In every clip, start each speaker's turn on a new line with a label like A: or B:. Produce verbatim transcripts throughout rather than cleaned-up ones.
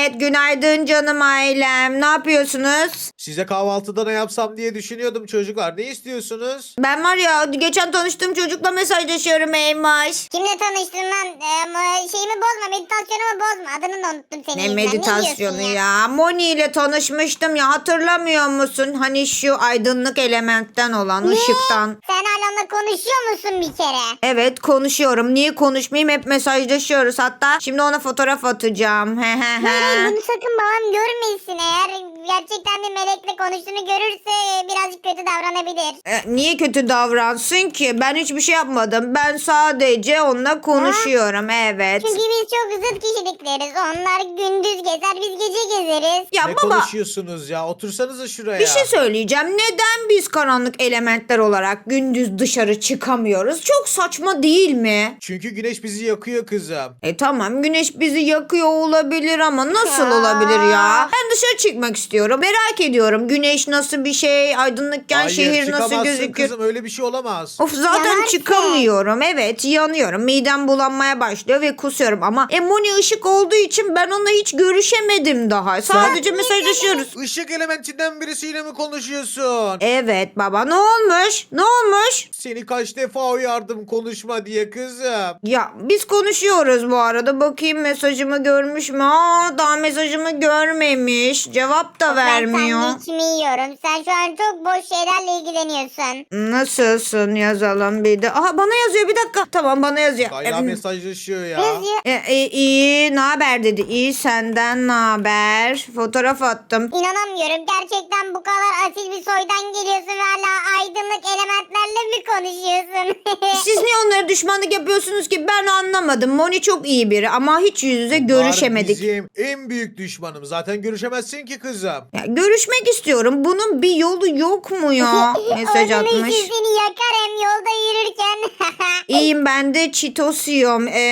A: Evet, günaydın canım ailem. Ne yapıyorsunuz?
B: Size kahvaltıda ne yapsam diye düşünüyordum çocuklar. Ne istiyorsunuz?
A: Ben var ya geçen tanıştığım çocukla mesajlaşıyorum Eymaş.
C: Kimle tanıştın lan? Ee, ama şeyimi bozma, meditasyonumu bozma. Adını da unuttum senin
A: Ne
C: yüzünden.
A: meditasyonu
C: Ne diyorsun
A: ya? Moni ile tanışmıştım ya, hatırlamıyor musun? Hani şu aydınlık elementten olan ışıktan.
C: Sen hala onunla konuşuyor musun bir kere?
A: Evet, konuşuyorum. Niye konuşmayayım? Hep mesajlaşıyoruz. Hatta şimdi ona fotoğraf atacağım. He he
C: Hayır, hayır,
A: he.
C: bunu sakın babam görmesin. Eğer gerçekten bir melekle konuştuğunu görürse birazcık kötü davranabilir.
A: E, niye kötü davransın ki? Ben hiçbir şey yapmadım. Ben sadece onunla konuşuyorum. Evet.
C: Çünkü biz çok zıt kişilikleriz. Onlar gündüz gezer, biz gece gezeriz.
A: Ya
B: Ne
A: baba,
B: konuşuyorsunuz ya? Otursanıza şuraya.
A: bir şey söyleyeceğim. Neden biz karanlık elementler olarak gündüz dışarı çıkamıyoruz? Çok saçma değil mi?
B: Çünkü güneş bizi yakıyor kızım.
A: E tamam, güneş bizi yakıyor olabilir ama nasıl olabilir ya? Ben dışarı çıkmak istiyorum. Merak ediyorum. Güneş nasıl bir şey? Aydınlıkken
B: Hayır,
A: şehir nasıl
B: çıkamazsın
A: gözüküyor?
B: kızım, öyle bir şey olamaz.
A: Of, zaten
C: Yanarsın.
A: çıkamıyorum. Evet, yanıyorum. Midem bulanmaya başlıyor ve kusuyorum. Ama Emoni ışık olduğu için ben onunla hiç görüşemedim daha. Sadece mesajlaşıyoruz.
B: Işık elementinden birisiyle mi konuşuyorsun?
A: Evet baba, ne olmuş? Ne olmuş?
B: Seni kaç defa uyardım konuşma diye kızım.
A: Ya biz konuşuyoruz bu arada. Bakayım mesajımı görmüş mü? Aa, daha mesajımı görmemiş. Cevap da vermiyor.
C: Ben sandviçimi yiyorum. Sen şu an çok boş şeylerle ilgileniyorsun.
A: Nasılsın yazalım bir de. Aha, bana yazıyor, bir dakika. Tamam, bana yazıyor.
B: Hala
A: Em,
B: mesajlaşıyor ya.
C: Yazıyor.
A: E, e, iyi, ne haber dedi. İyi, senden ne haber? Fotoğraf attım.
C: İnanamıyorum. Gerçekten bu kadar asil bir soydan geliyorsun ve hala aydınlık elementlerle mi konuşuyorsun?
A: Siz niye onlara düşmanlık yapıyorsunuz ki? Ben anlamadım. Moni çok iyi biri ama hiç yüz yüze görüşemedik.
B: Bunlar bizim en büyük düşmanım. Zaten görüşemezsin ki kızım.
A: Ya, görüşmek istiyorum. Bunun bir yolu yok mu ya? Mesaj
C: Onun için
A: atmış.
C: seni yakar hem yolda yürürken.
A: İyiyim, ben de Cheetos yiyorum. E,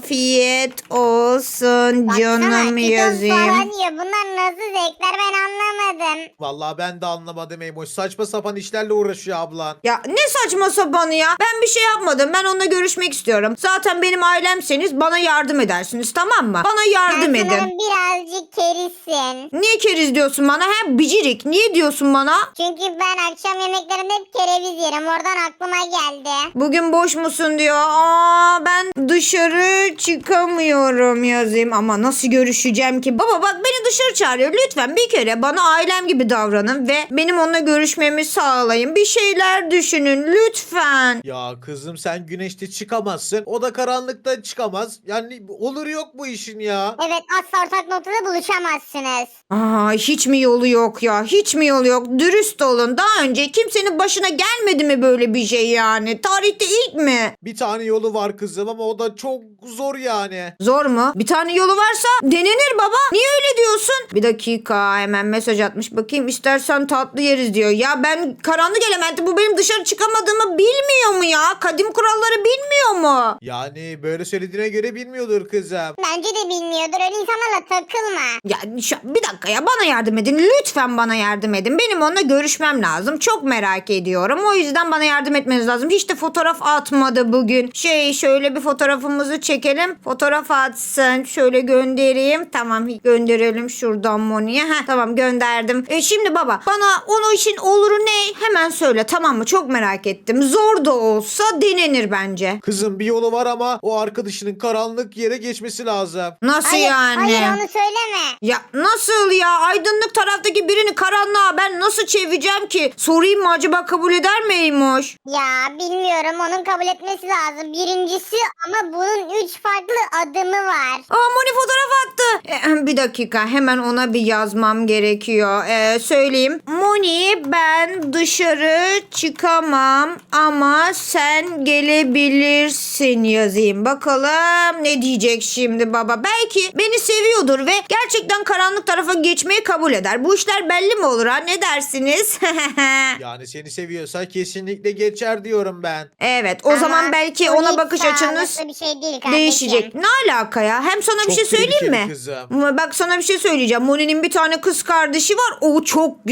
A: afiyet olsun canım
C: Baksana,
A: yazayım.
C: Cheetos falan yiyor. Bunlar nasıl zevkler ben anlamadım.
B: Vallahi ben de anlamadım Eymoş. Saçma sapan işlerle uğraşıyor ablan.
A: Ya ne saçma sapanı ya. Ben bir şey yapmadım. Ben onunla görüşmek istiyorum. Zaten benim ailemseniz bana yardım edersiniz, tamam mı? Bana yardım
C: Sen
A: edin.
C: sanırım birazcık kerizsin.
A: Niye keriz diyorsun bana? He, bicirik. Niye diyorsun bana?
C: Çünkü ben akşam yemeklerinde hep kereviz yerim. Oradan aklıma geldi.
A: Bugün boş musun diyor. Aa, ben dışarı çıkamıyorum yazayım. Ama nasıl görüşeceğim ki? Baba bak, beni dışarı çağırıyor. Lütfen bir kere bana ailem gibi davranın ve benim onunla görüşmemi sağlayın. Bir şeyler düşünün lütfen.
B: Ya kızım, sen güneşte çıkamazsın. O da karanlıkta çıkamaz. Yani olur yok bu işin ya.
C: Evet, asla ortak noktada buluşamazsınız.
A: Aa, hiç mi yolu yok ya? Hiç mi yolu yok? Dürüst olun. Daha önce kimsenin başına gelmedi mi böyle bir şey yani? Tarihte ilk mi?
B: Bir tane yolu var kızım ama o da çok zor yani.
A: Zor mu? Bir tane yolu varsa denenir baba. Niye öyle diyorsun? Bir dakika, hemen mesaj atmış. Bakayım, istersen tatlı yeriz diyor. Ya ben karanlık elementi, bu benim dışarı çıkamadığımı bilmiyor mu ya? Kadim kuralları bilmiyor mu?
B: Yani böyle söylediğine göre bilmiyordur kızım.
C: Bence de bilmiyordur. Öyle insanlarla takılma.
A: Ya şu, bir dakika ya, bana yardım edin. Lütfen bana yardım edin. Benim onunla görüşmem lazım. Çok merak ediyorum. O yüzden bana yardım etmeniz lazım. Hiç de fotoğraf atmadı bugün. Şey, şöyle bir fotoğrafımızı çekelim. Fotoğraf atsın. Şöyle göndereyim. Tamam, gönderelim şuradan Moni'ye. Heh, tamam, gönderdim. E şimdi baba, bana onun için oluru ne? Hemen söyle, tamam mı? Çok merak ettim. Zor da olsa denenir bence.
B: Kızım, bir yolu var ama o arkadaşının karanlık yere geçmesi lazım.
A: Nasıl
C: Hayır,
A: yani?
C: hayır onu söyleme.
A: Ya nasıl ya? Aydınlık taraftaki birini karanlığa ben nasıl çevireceğim ki? Sorayım mı, acaba kabul eder mi Eymoş?
C: Ya bilmiyorum, onun kabul etmesi lazım. Birincisi ama bunun üç farklı adımı var.
A: Aa, Moni fotoğraf attı. E, bir dakika, hemen ona bir yazmam gerekiyor. E, söyleyeyim. Moni, ben dışarı çıkamam ama sen gelebilirsin yazayım. Bakalım ne diyecek şimdi baba. Belki beni seviyordur ve gerçekten karanlık tarafa geçmeyi kabul eder. Bu işler belli mi olur ha? Ne dersiniz?
B: Yani seni seviyorsa kesinlikle geçer diyorum ben.
A: Evet, o
C: Ama
A: zaman belki
C: bu
A: ona
C: hiç
A: bakış açınız
C: sağlıklı bir şey değil kardeşim.
A: değişecek. Ne alaka ya? Hem sana bir
B: Çok
A: şey söyleyeyim
B: tehlikeli
A: mi?
B: kızım.
A: Ama bak, sana bir şey söyleyeceğim. Moni'nin bir tane kız kardeşi var. O çok güzel, tamam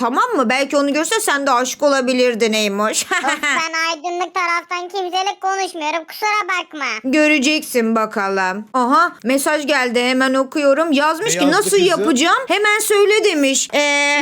A: tamam mı? Belki onu görse sen de aşık olabilirdin Eymoş.
C: Of, ben aydınlık taraftan kimseyle konuşmuyorum. Kusura bakma.
A: Göreceksin bakalım. Aha mesaj geldi hemen okuyorum. Yazmış
B: Ne
A: ki
B: yazdı
A: nasıl
B: kızım?
A: yapacağım? Hemen söyle demiş. Ee,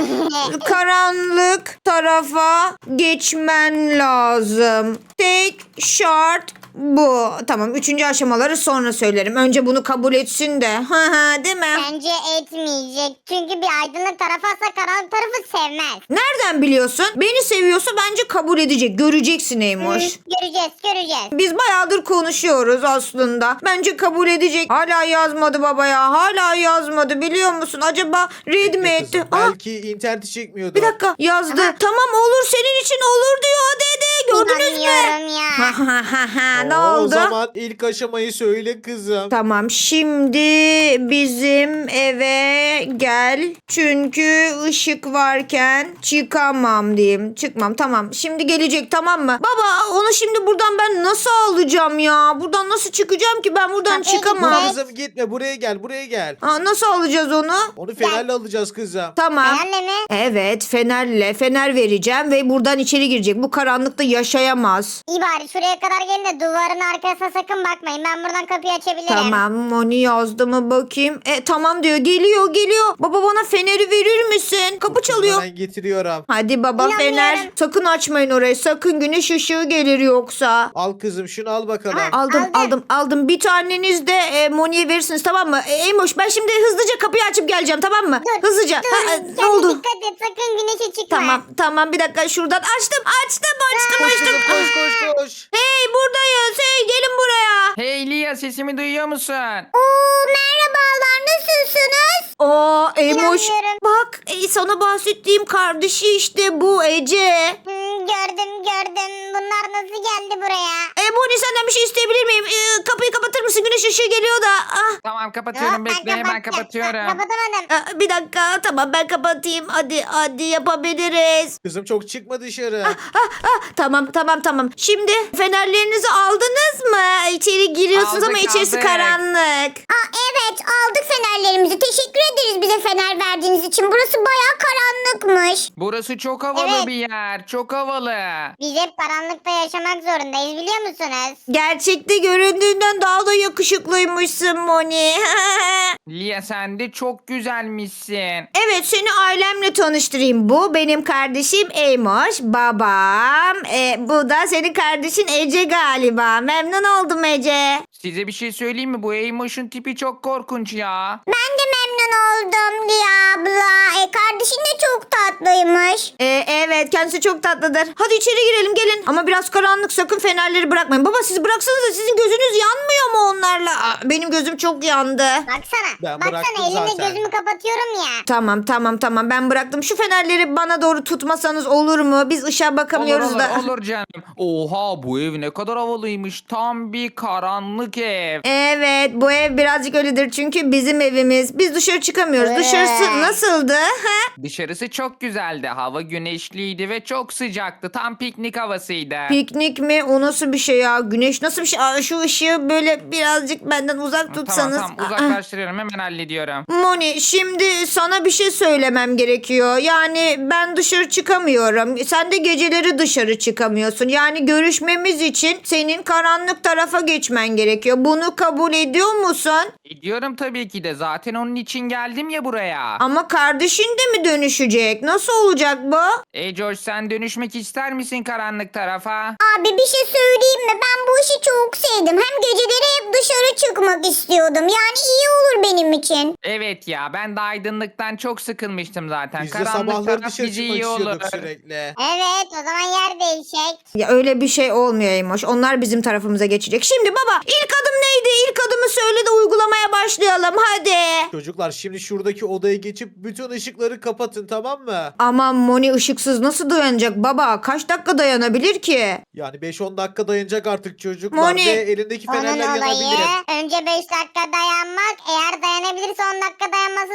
A: karanlık tarafa geçmen lazım. Tek şart bu. Tamam üçüncü aşamaları sonra söylerim. Önce bunu kabul etsin de. Ha ha değil mi?
C: Bence etmeyecek. Çünkü bir aydınlık tarafı asla karanlık tarafı sevmez.
A: Nereden biliyorsun? Beni seviyorsa bence kabul edecek. Göreceksin Eymoş.
C: Hı, göreceğiz göreceğiz.
A: Biz bayağıdır konuşuyoruz aslında. Bence kabul edecek. Hala yazmadı baba ya. Hala yazmadı biliyor musun? Acaba red mi etti?
B: Kızım,
A: Aa,
B: belki interneti çekmiyordu.
A: bir dakika yazdı.
C: Aha.
A: Tamam olur senin için olur diyor dedi. Gördünüz mü?
C: İnanmıyorum ya.
A: Ha ha ha ha. Ne
B: Oo,
A: oldu?
B: O zaman ilk aşamayı söyle kızım.
A: Tamam şimdi bizim eve gel. Çünkü ışık varken çıkamam diyeyim. Çıkmam tamam. Şimdi gelecek tamam mı? Baba onu şimdi buradan ben nasıl alacağım ya? Buradan nasıl çıkacağım ki ben buradan
C: Kapıya
A: çıkamam.
C: gidecek.
B: Kızım gitme, buraya gel, buraya gel.
A: Aa, nasıl alacağız onu?
B: Onu fenerle alacağız kızım.
A: Tamam.
C: Fenerle mi?
A: Evet fenerle fener vereceğim ve buradan içeri girecek. Bu karanlıkta yaşayamaz.
C: İyi bari şuraya kadar gelin de duvarın arkasına sakın bakmayın. Ben buradan kapıyı açabilirim.
A: Tamam Moni yazdı mı bakayım. E tamam diyor geliyor geliyor. Baba bana feneri verir misin? Kapı çalıyor.
B: Ben getiriyorum.
A: Hadi baba
C: İnanmıyorum.
A: fener. Sakın açmayın orayı. Sakın güneş ışığı gelir yoksa.
B: Al kızım, şunu al bakalım.
C: Aha.
A: Aldım
C: Aldım.
A: aldım aldım. Bir taneniz de e, Moni'ye verirsiniz tamam mı? E, Eymoş ben şimdi hızlıca kapıyı açıp geleceğim tamam mı?
C: Dur,
A: Hızlıca.
C: Dur,
A: Ha, e,
C: sen
A: ne
C: de
A: oldu?
C: dikkat et sakın güneşe çıkma.
A: Tamam tamam bir dakika şuradan açtım açtım açtım
B: Koş
A: açtım.
B: kızım, koş koş koş.
A: Hey buradayız hey gelin buraya.
D: Hey Lia sesimi duyuyor musun?
C: Oo merhabalar nasılsınız?
A: Aa Eymoş
C: İnanmıyorum.
A: bak e, sana bahsettiğim kardeşi işte bu Ece.
C: Hmm, gördüm gördüm. Bunlar nasıl geldi buraya?
A: E Moni senden bir şey isteyebilir miyim? E, kapıyı kapatır mısın? Güneş ışığı geliyor da. Ah.
D: Tamam kapatıyorum
C: Hop,
D: bekle hemen
C: kapattım.
D: kapatıyorum.
C: Ha, kapatamadım.
A: Aa, bir dakika tamam ben kapatayım. Hadi hadi yapabiliriz.
B: Kızım çok çıkma dışarı.
A: Ah, ah, tamam tamam tamam. Şimdi fenerlerinizi aldınız mı? İçeri giriyorsunuz
D: Aldık,
A: ama içerisi
D: aldık.
A: karanlık.
C: Aa, evet aldık fenerlerimizi. Teşekkür ederiz bize fener verdiğiniz için. Burası bayağı karanlıkmış.
D: Burası çok havalı
C: Evet.
D: bir yer. Çok havalı.
C: Biz hep karanlıkta yaşamak zorundayız biliyor musunuz?
A: Gerçekte göründüğünden daha da yakışıklıymışsın Moni.
D: Lia sen de çok güzelmişsin.
A: Evet seni ailemle tanıştırayım. Bu benim kardeşim Eymoş. Babam. E, bu da senin kardeşin Ece galiba. Memnun oldum Ece.
D: Size bir şey söyleyeyim mi? Bu Eymoş'un tipi çok korkunç ya.
C: Ben de memnun oldum Liya abla. E, kardeşin de çok tatlıymış.
A: E, evet kendisi çok tatlıdır. Hadi içeri girelim gelin. Ama biraz karanlık sakın fenerleri bırakmayın. Baba siz bıraksanıza sizin gözünüz yanmıyor mu onlarla? Aa, benim gözüm çok yandı.
C: Baksana.
B: Ben
C: Baksana
B: bıraktım
C: elimle
B: zaten.
C: gözümü kapatıyorum ya.
A: Tamam tamam tamam ben bıraktım. Şu fenerleri bana doğru tutmasanız olur mu? Biz ışığa
D: Olur
A: bakamıyoruz
D: olur,
A: da.
D: olur canım. Oha bu ev ne kadar havalıymış. Tam bir karanlık ev.
A: Evet bu ev birazcık öyledir çünkü bizim evimiz. Biz dışarı çıkamıyoruz.
C: Evet.
A: Dışarısı nasıldı? Ha?
D: Dışarısı çok güzeldi. Hava güneşliydi ve çok sıcaktı. Tam piknik havasıydı.
A: Piknik mi? O nasıl bir şey ya? Güneş nasıl bir şey? Aa, şu ışığı böyle birazcık benden uzak tutsanız.
D: Tamam tamam
A: Aa.
D: uzaklaştırıyorum hemen hallediyorum.
A: Moni şimdi sana bir şey söylemem gerekiyor. Yani ben dışarı çıkamıyorum. Sen de geceleri dışarı çıkamıyorsun. Yani görüşmemiz için senin karanlık tarafa geçmen gerekiyor. Bunu kabul ediyor musun?
D: Ediyorum tabii ki de zaten onun için geldim ya buraya.
A: Ama kardeşin de mi dönüşecek? Nasıl olacak bu?
D: Ey George sen dönüşmek ister misin karanlık tarafa?
C: Abi bir şey söyleyeyim mi? Ben bu işi çok sevdim. Hem geceleri hep dışarı çıkmak istiyordum. Yani iyi olur benim için.
D: Evet ya ben de aydınlıktan çok sıkılmıştım zaten.
B: Biz de
D: Karanlık
B: sabahları
D: taraf
B: dışarı
D: bizi
B: çıkmak
D: iyi olur.
B: istiyorduk sürekli.
C: Evet o zaman yer değişecek.
A: Ya öyle bir şey olmuyor Eymoş. Onlar bizim tarafımıza geçecek. Şimdi baba ilk adım neydi? İlk adımı söyle de uygulamaya başlayalım hadi.
B: Çocuklar şimdi şuradaki odaya geçip bütün ışıkları kapatın, tamam mı?
A: Aman Moni ışıksız nasıl dayanacak baba? Kaç dakika dayanabilir ki?
B: Yani beş on dakika dayanacak artık çocuklar
A: Moni.
B: ve elindeki
C: Onun
B: fenerler
C: olayı
B: yanabilir.
C: önce beş dakika dayanmak. Eğer dayanabilirse on dakika dayanması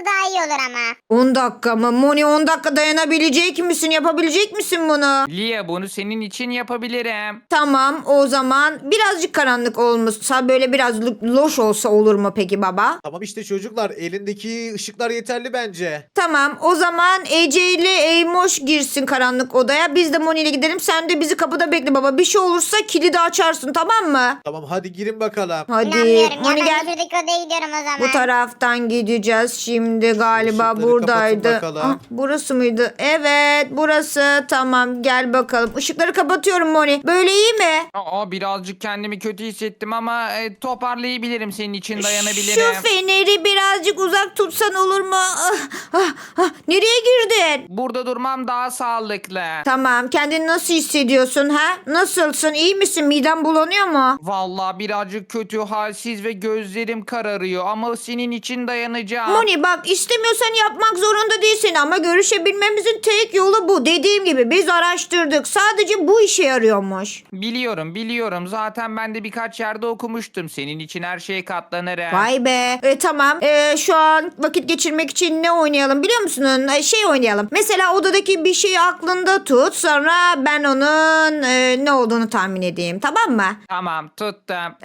C: daha iyi olur ama.
A: on dakika mı? Moni on dakika dayanabilecek misin? Yapabilecek misin bunu?
D: Lia bunu senin için yapabilirim.
A: Tamam o zaman birazcık karanlık olmuşsa böyle biraz lo- loş olsa olur mu peki baba?
B: Tamam işte çocuklar elindeki ışıklar yeterli bence.
A: Tamam o zaman Ece ile Eymoş girsin karanlık odaya. Biz de Moni ile gidelim. Sen de bizi kapıda bekle baba. Bir şey olursa kilidi açarsın tamam mı?
B: Tamam hadi girin bakalım.
A: Hadi
C: İnanmıyorum ya
A: Moni
C: ben
A: gel.
C: şuradaki odaya gidiyorum o zaman.
A: Bu taraftan gideceğiz şimdi galiba
B: ışıkları
A: buradaydı.
B: kapatın bakalım.
A: Ah, burası mıydı? Evet burası. Tamam gel bakalım. Işıkları kapatıyorum Moni. Böyle iyi mi?
D: Aa birazcık kendimi kötü hissettim ama e, toparlayabilirim senin için dayanabilirim.
A: Şu feneri birazcık uzak tutsan olur mu? Ah, ah, ah. Nereye girdin?
D: Burada durmam daha sağlıklı.
A: Tamam kendini nasıl hissediyorsun ha? Nasılsın? İyi misin? Miden bulanıyor mu?
D: Vallahi birazcık kötü, halsiz ve gözlerim kararıyor ama senin için dayanacağım.
A: Moni bak istemiyorsan yapmak zorunda değilsin ama görüşebilmemizin tek yolu bu. Dediğim gibi biz araştırdık. Sadece bu işe yarıyormuş.
D: Biliyorum biliyorum zaten ben de birkaç yerde okumuştum. Senin için her şeye katlanırım.
A: Vay be. E, tamam. E, şu an vakit geçirmek için ne oynayalım biliyor musun? E, şey oynayalım. Mesela odadaki bir şeyi aklında tut. Sonra ben onun e, ne olduğunu tahmin edeyim. Tamam mı?
D: Tamam tuttum.
A: E,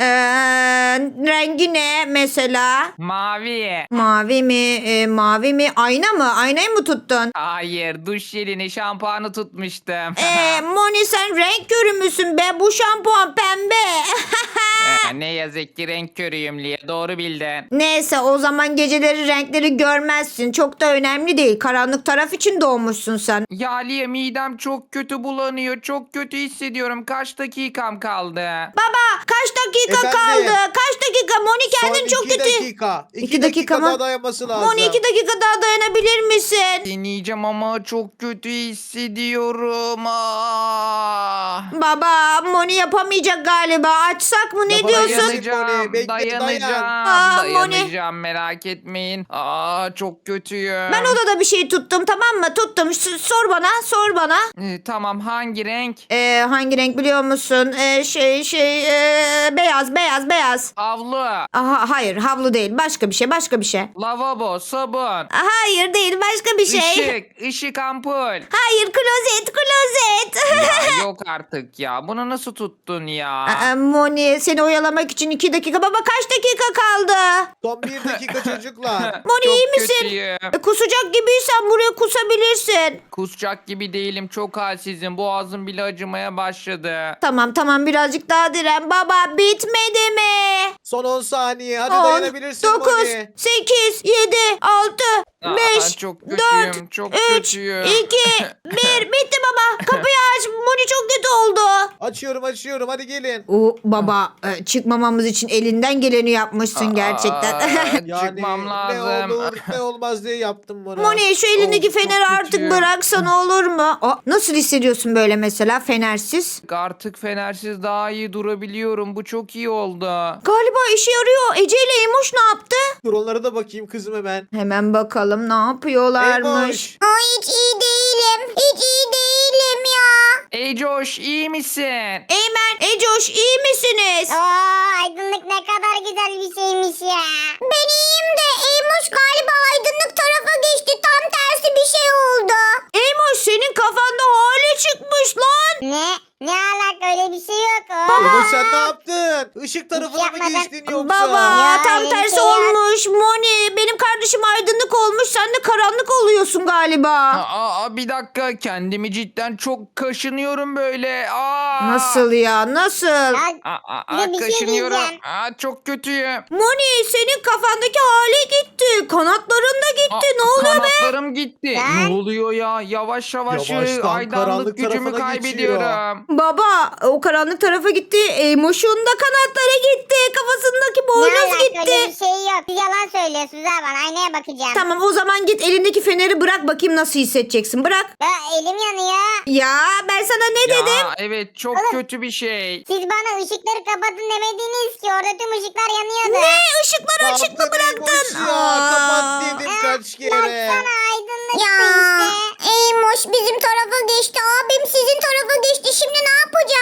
A: rengi ne mesela?
D: Mavi.
A: Mavi mi? E, mavi mi? Ayna mı? Aynayı mı tuttun?
D: Hayır duş jelini şampuanı tutmuştum.
A: Ee, Moni sen renk körü müsün be? Bu şampuan pembe.
D: Ee, ne yazık ki renk körüyüm Lia doğru bildin.
A: Neyse o zaman geceleri renkleri görmezsin. Çok da önemli değil. Karanlık taraf için doğmuşsun sen.
D: Ya Lia midem çok kötü bulanıyor. Çok kötü hissediyorum. Kaç dakikam kaldı?
A: Baba kaç dakika
B: Efendim?
A: kaldı? Kaç dakika? Moni kendin
B: Son
A: çok
B: iki
A: kötü.
B: dakika. İki,
A: İki
B: dakika,
A: dakika mı?
B: daha dayanması lazım.
A: Moni iki dakika daha dayanabilir misin?
D: Deneyeceğim ama çok kötü hissediyorum. Ah.
A: Baba Moni yapamayacak galiba. Açsak mı ne
B: Yapamayacak.
A: diyorsun?
D: Dayanacağım,
B: Moni, bekle,
D: dayanacağım,
A: dayan. Aa, Moni.
D: dayanacağım merak etmeyin. Aa çok kötüyüm.
A: Ben odada bir şey tuttum tamam mı? Tuttum. S- sor bana sor bana.
D: Ee, tamam hangi renk?
A: Ee, hangi renk biliyor musun? Ee, şey şey ee, beyaz beyaz beyaz.
D: Havlu,
A: Aha, hayır havlu değil başka bir şey başka bir şey.
D: lavabo, sabun,
A: Hayır değil başka bir şey.
D: ışık, ışık ampul.
A: Hayır klozet klozet.
D: Ya yok artık ya. Bunu nasıl tuttun ya?
A: Aa, Moni seni oyalamak için iki dakika. Baba kaç dakika kaldı?
B: Son bir dakika çocuklar.
A: Moni
D: Çok
A: iyi misin?
D: kötüyüm.
A: E, kusacak gibiysen buraya kusabilirsin.
D: Kusacak gibi değilim. Çok halsizim. Boğazım bile acımaya başladı.
A: Tamam tamam birazcık daha diren. Baba bitmedi mi?
B: Son on saniye. Hadi
A: on,
B: dayanabilirsin
A: dokuz,
B: Moni.
A: sekiz, yedi, altı,
D: Aa,
A: beş,
D: çok
A: dört,
D: kötüyüm, çok
A: üç,
D: kötüyüm.
A: iki, bir. Bitti baba. Kapıyı aç. Moni çok kötü oldu.
B: Açıyorum açıyorum hadi gelin.
A: O baba e, çıkmamamız için elinden geleni yapmışsın gerçekten.
D: Aa,
B: Yani
D: Çıkmam
B: ne
D: lazım.
B: olur ne olmaz diye yaptım bunu.
A: Moni şu elindeki
D: Of, çok
A: feneri artık
D: kötüyüm.
A: bıraksan olur mu? Aa, nasıl hissediyorsun böyle mesela fenersiz?
D: Artık fenersiz daha iyi durabiliyorum. Bu çok iyi oldu.
A: Galiba işe yarıyor. Ece ile Emoş ne yaptı?
B: Dur onlara da bakayım kızım hemen.
A: Hemen bakalım ne yapıyorlarmış.
B: Eymoş.
C: Ay hiç iyi değilim. Hiç iyi değilim ya.
D: Ey Coş iyi misin?
A: Eymen, Ecoş iyi misiniz?
C: Aa, aydınlık ne kadar güzel bir şeymiş ya. Ben iyiyim de Eymuş galiba aydınlık tarafa geçti. Tam tersi bir şey oldu.
A: Eymoş senin kafanda hale çıkmış lan.
C: Ne? Ne alaka öyle bir şey yok.
B: Eymoş sen ne yaptın? Işık tarafına mı
C: yapmadım.
B: geçtin yoksa?
A: Baba
C: Ya,
A: tam
C: öyle bir
A: tersi
C: şey yok.
A: olmuş. Moni benim kardeşim aydınlık olmuş. Sen de karanlık oluyorsun galiba.
D: Aa, aa, bir dakika kendimi cidden çok kaşınıyorum böyle. Aa.
A: Nasıl ya nasıl?
C: Ya,
D: Aa, aa,
C: Bir de bir şey
D: kaşınıyorum.
C: diyeceğim.
D: Aa, çok kötüyüm.
A: Moni senin kafandaki hale gitti. Kanatların da gitti.
D: Aa,
A: Ne oluyor be?
D: Kanatlarım gitti.
C: Ben-
D: Ne oluyor ya? Yavaş yavaş
B: Yavaştan
D: aydınlık
B: karanlık
D: gücümü
B: tarafına
D: kaybediyorum.
A: Baba o karanlık tarafa gitti. Eymoş'un da kanatları gitti. Kafasındaki
C: ne
A: boynuz
C: alaka öyle
A: gitti.
C: bir şey yok. Siz yalan söylüyorsunuz ha bana. Aynaya bakacağım.
A: Tamam o zaman git elindeki feneri bırak bakayım nasıl hissedeceksin. Bırak.
C: Ya, elim yanıyor.
A: Ya ben sana ne
D: Ya
A: dedim?
D: evet çok
C: Oğlum.
D: kötü bir şey.
C: Siz bana ışıkları kapatın demediniz ki. Orada tüm ışıklar yanıyordu.
A: Ne ışıkları açık mı
B: Yaptın
A: bıraktın?
B: Eymoş ya.
A: Aa.
B: Kapat dedim kaç kere.
C: Baksana aydınlıktı işte. Eymoş bizim tarafa geçti. Abim sizin tarafa geçti. Şimdi ne yapacağız?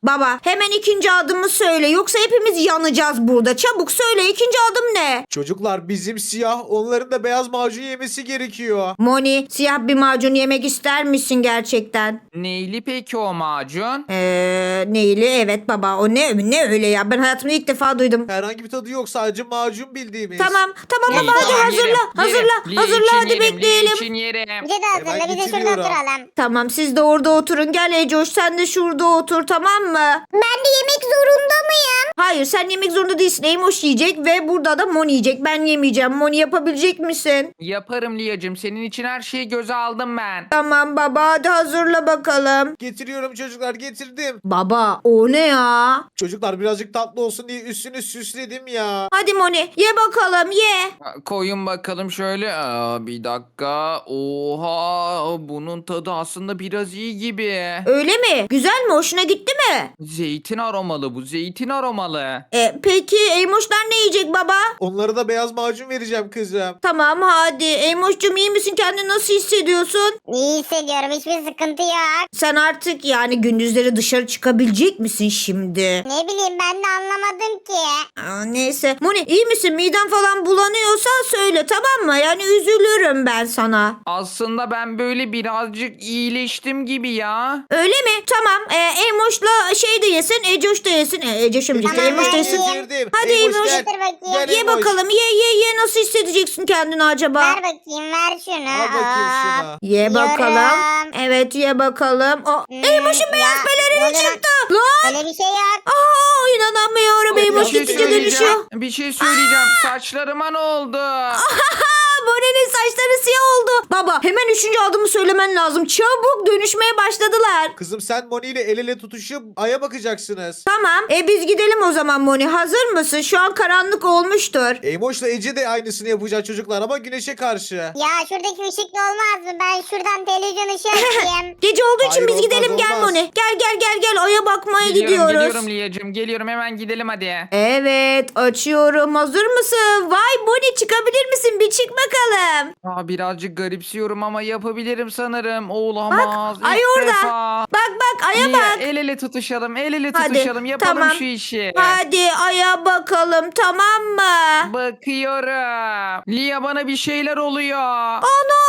A: Baba hemen ikinci adımı söyle yoksa hepimiz yanacağız burada. Çabuk söyle ikinci adım ne?
B: Çocuklar bizim siyah, onların da beyaz macun yemesi gerekiyor.
A: Moni siyah bir macun yemek ister misin gerçekten?
D: Neyli peki o macun?
A: Eee neyli evet baba o ne ne öyle ya ben hayatımda ilk defa duydum.
B: Herhangi bir tadı yok, sadece macun bildiğimiz.
A: Tamam tamam
D: İyi,
A: baba hadi
D: tamam,
A: hazırla
D: yerim,
A: hazırla
D: yerim. Lee
A: hazırla
D: için
A: hadi
D: yerim, Lee
A: bekleyelim.
D: için yerim.
C: Bize de hazırla
B: Hemen
C: biz de şurada
B: getiriyorum.
C: oturalım.
A: Tamam siz de orada oturun gel Ecoş sen de şurada otur tamam mı?
C: Ben de yemek zorunda mıyım?
A: Hayır sen yemek zorunda değilsin. Eymoş yiyecek ve burada da Moni yiyecek. Ben yemeyeceğim. Moni yapabilecek misin?
D: Yaparım Liyacım. Senin için her şeyi göze aldım ben.
A: Tamam baba hadi hazırla bakalım.
B: Getiriyorum çocuklar, getirdim.
A: Baba o ne ya?
B: Çocuklar birazcık tatlı olsun diye üstünü süsledim ya.
A: Hadi Moni ye bakalım ye.
D: Koyun bakalım şöyle. Aa, bir dakika. Oha, bunun tadı aslında biraz iyi gibi.
A: Öyle mi? Güzel mi? Hoşuna gitti mi?
D: Zeytin aromalı bu. Zeytin aromalı.
A: E, peki Eymoşlar ne yiyecek baba?
B: Onlara da beyaz macun vereceğim kızım.
A: Tamam hadi. Eymoş'cum iyi misin? Kendini nasıl hissediyorsun?
C: İyi hissediyorum hiçbir sıkıntı yok.
A: Sen artık yani gündüzleri dışarı çıkabilecek misin şimdi?
C: Ne bileyim ben de anlamadım ki.
A: Aa, neyse. Moni iyi misin? Miden falan bulanıyorsa söyle tamam mı? Yani üzülürüm ben sana.
D: Aslında ben böyle birazcık iyileştim gibi ya.
A: Öyle mi? Tamam. Ee, Eymoş'la şey de yesin. Ecoş da yesin. E, Ecoş'um işte.
C: Tamam,
A: Eymoş da
C: ben
A: yesin.
C: yiyeyim.
B: Getirdim.
A: Hadi
B: Eymoş,
A: Eymoş.
B: gel.
C: Getir bakayım.
B: Gel
A: Ye
B: Eymoş.
A: bakalım. Ye ye ye. Nasıl hissedeceksin kendini acaba?
C: Ver bakayım ver şunu.
B: Al bakayım
C: Aa.
B: şunu.
A: Ye bakalım.
C: Yiyorum.
A: Evet ye bakalım. O,
C: Hmm,
A: Eymoş'un beyaz
C: ya,
A: pelerini
C: ne oluyor lan?
A: çıktı. Lan.
C: Öyle bir şey yok.
A: Aa, inanamıyorum.
B: Ay,
A: Eymoş
B: bir şey
A: gittikçe
B: söyleyeceğim.
A: dönüşüyor.
D: Bir şey söyleyeceğim. Saçlarıma ne oldu?
A: Moni'nin saçları siyah oldu. Baba hemen üçüncü adımı söylemen lazım. Çabuk dönüşmeye başladılar.
B: Kızım sen Moni ile el ele tutuşup aya bakacaksınız.
A: Tamam. E biz gidelim o zaman Moni. Hazır mısın? Şu an karanlık olmuştur.
B: Eymoş'la Ece de aynısını yapacak çocuklar ama güneşe karşı.
C: Ya şuradaki ışıklı olmaz mı? Ben şuradan televizyon ışığı açayım.
A: Gece olduğu için
B: Hayır,
A: biz
B: olmaz,
A: gidelim gel
B: olmaz.
A: Moni. Gel gel gel gel aya bakmaya
D: Geliyorum,
A: gidiyoruz.
D: geliyorum Liyacım. Geliyorum, hemen gidelim hadi.
A: Evet açıyorum. Hazır mısın? Vay Moni çıkabilir misin? Bir çık bakalım.
D: Aa, birazcık garipsiyorum ama yapabilirim sanırım. Olamaz.
A: ay
D: İlk
A: orada.
D: defa.
A: Bak bak aya
D: Liya,
A: bak.
D: el ele tutuşalım, el ele
A: Hadi,
D: tutuşalım. Yapalım
A: tamam.
D: şu işi.
A: Hadi aya bakalım tamam mı?
D: Bakıyorum. Lia, bana bir şeyler oluyor.
A: Ana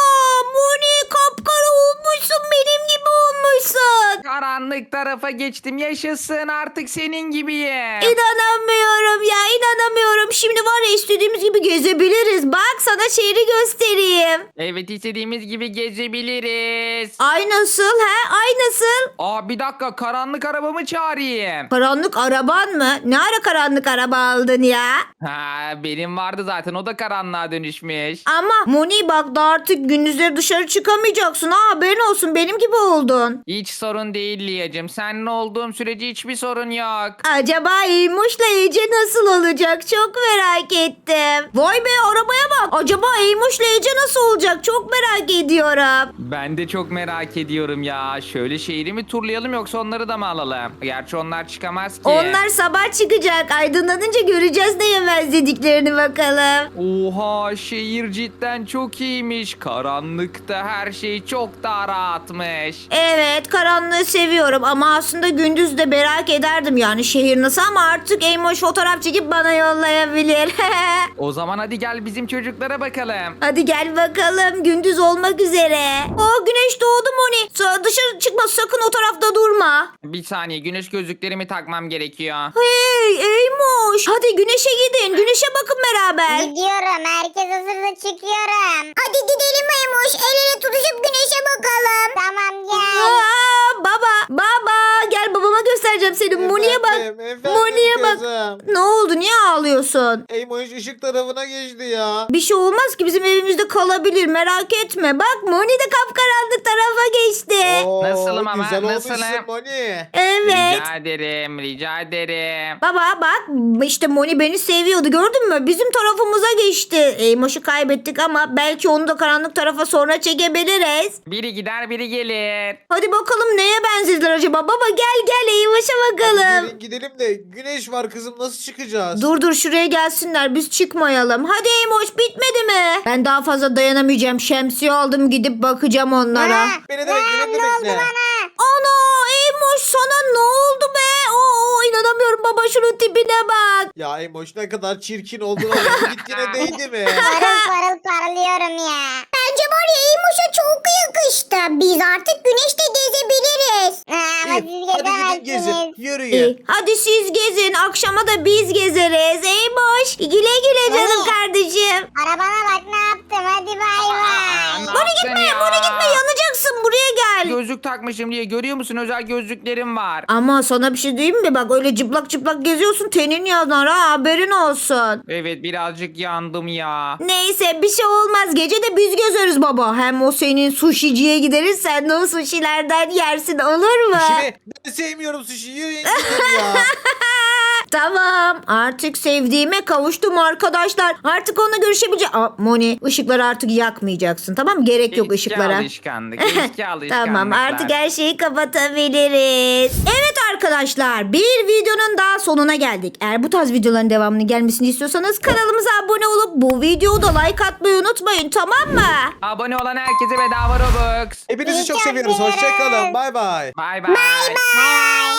A: Moni kapkara olmuşsun benim gibi olmuşsun.
D: Karanlık tarafa geçtim. Yaşasın, artık senin gibiyim.
A: İnanamıyorum ya inanamıyorum. Şimdi var ya istediğimiz gibi gezebiliriz. Bak sana şehri göstereyim.
D: Evet, istediğimiz gibi gezebiliriz.
A: Ay nasıl he? Ay nasıl?
D: Aa, bir dakika, karanlık arabamı çağırayım.
A: Karanlık araban mı? Ne ara karanlık araba aldın ya?
D: Ha, benim vardı zaten, o da karanlığa dönüşmüş.
A: Ama Moni bak da artık gündüzleri dışarı çıkamayacaksın. Ha haberin olsun benim gibi oldun.
D: Hiç sorun değil Liyacım. Seninle olduğum sürece hiçbir sorun yok.
A: Acaba Eymoş'la Ece nasıl olacak? Çok merak ettim. Vay be arabaya bak. Acaba Eymoş'la Ece nasıl olacak? Çok merak ediyorum.
D: Ben de çok merak ediyorum ya. Şöyle şehri mi turlayalım yoksa onları da mı alalım? Gerçi onlar çıkamaz ki.
A: Onlar sabah çıkacak. Aydınlanınca göreceğiz ne yemez dediklerini bakalım.
D: Oha, şehir cidden çok iyiymiş. Karanlıkta her şey çok daha rahatmış.
A: Evet karanlığı seviyorum ama aslında gündüz de merak ederdim yani şehir nasıl ama artık Eymoş fotoğraf çekip bana yollayabilir.
D: O zaman hadi gel bizim çocuklara bakalım.
A: Hadi gel bakalım gündüz olmak üzere. Oh güneş doğdu Moni. Sa- Dışarı çıkma sakın o tarafta durma.
D: Bir saniye, güneş gözlüklerimi takmam gerekiyor.
A: Hey Eymoş hadi güneşe gidin güneşe bakın beraber.
C: Gidiyorum herkes hazırda çıkıyorum. Hadi gidelim Maymuş el ele tutuşup güneşe bakalım. Tamam gel.
A: Aa, baba baba gel babama göstereceğim seni. Moni'ye bak.
B: Efendim, efendim
A: Moni'ye bak.
B: kızım.
A: Ne oldu niye ağlıyorsun?
B: Eymoş ışık tarafına geçti ya.
A: Bir şey olmaz ki bizim evimizde kalabilir merak etme. Bak Moni de kapkaranlık tarafa geçti.
B: Oo,
D: Nasılım ama,
B: güzel
D: nasılım?
B: olmuşsun Moni.
A: Evet.
D: Rica ederim, rica ederim.
A: Baba bak işte Moni beni seviyordu gördün mü? Bizim tarafımıza geçti. Eymoş'u kaybettik ama belki onu da karanlık tarafa sonra çekebiliriz.
D: Biri gider, biri gelir.
A: Hadi bakalım neye benzediler acaba? Baba gel gel Eymoş'a bakalım.
B: Gelin gidelim de güneş var kızım, nasıl çıkacağız?
A: Dur dur şuraya gelsinler biz çıkmayalım. Hadi Eymoş bitmedi mi? Ben daha fazla dayanamayacağım. Şemsiye aldım gidip bakacağım onlara.
C: Ha,
B: Beni de
C: ha,
B: bekle, beni de
C: ne oldu
B: bekle.
C: bana?
A: Ana Eymoş Eymoş sana ne oldu be? Oo, inanamıyorum baba, şunun tipine bak.
B: Ya Emoş ne kadar çirkin oldun ama gittiğine değdi mi?
C: Parıl parıl parlıyorum ya. Bence var ya Eymoş'a çok yakıştı. Biz artık güneşte gezebiliriz. Ha, ama
B: İyi,
C: siz
B: hadi gidin gezin.
C: gezemezsiniz.
B: Yürüyün.
A: İyi, hadi siz gezin. Akşama da biz gezeriz. Eymoş güle güle canım
C: Anne.
A: kardeşim.
C: Arabana bak ne yaptım, hadi bay bay.
D: Ne
A: Buraya
D: yaptın
A: gitme,
D: ya?
A: buraya gitme, yanacaksın, buraya gel.
D: Gözlük takmışım diye görüyor musun? Özel gözlüklerim var.
A: Ama sana bir şey diyeyim mi? Bak öyle çıplak çıplak geziyorsun, tenin yanar ha, haberin olsun.
D: Evet, birazcık yandım ya.
A: Neyse, bir şey olmaz. Gece de biz gezeriz baba. Hem o senin sushiciye gideriz, sen de o sushilerden yersin, olur mu?
B: Şimdi ben sevmiyorum sushi. Yürüyün gidin ya.
A: Tamam, artık sevdiğime kavuştum arkadaşlar. Artık onunla görüşebileceğim. Aa, Moni, ışıkları artık yakmayacaksın, tamam mı? Gerek yok
D: Eski
A: ışıklara.
D: alışkanlık. Eski alışkanlıklar.
A: Tamam, artık her şeyi kapatabiliriz. Evet arkadaşlar, bir videonun daha sonuna geldik. Eğer bu tarz videoların devamını gelmesini istiyorsanız kanalımıza abone olup bu videoda like atmayı unutmayın, tamam mı?
D: Abone olan herkese bedava Robux.
B: Hepinizi
C: İyi
B: çok
C: ki
B: seviyoruz.
C: geldiniz.
B: Hoşçakalın. Bay bay.
D: Bay bay.
C: Bay bay.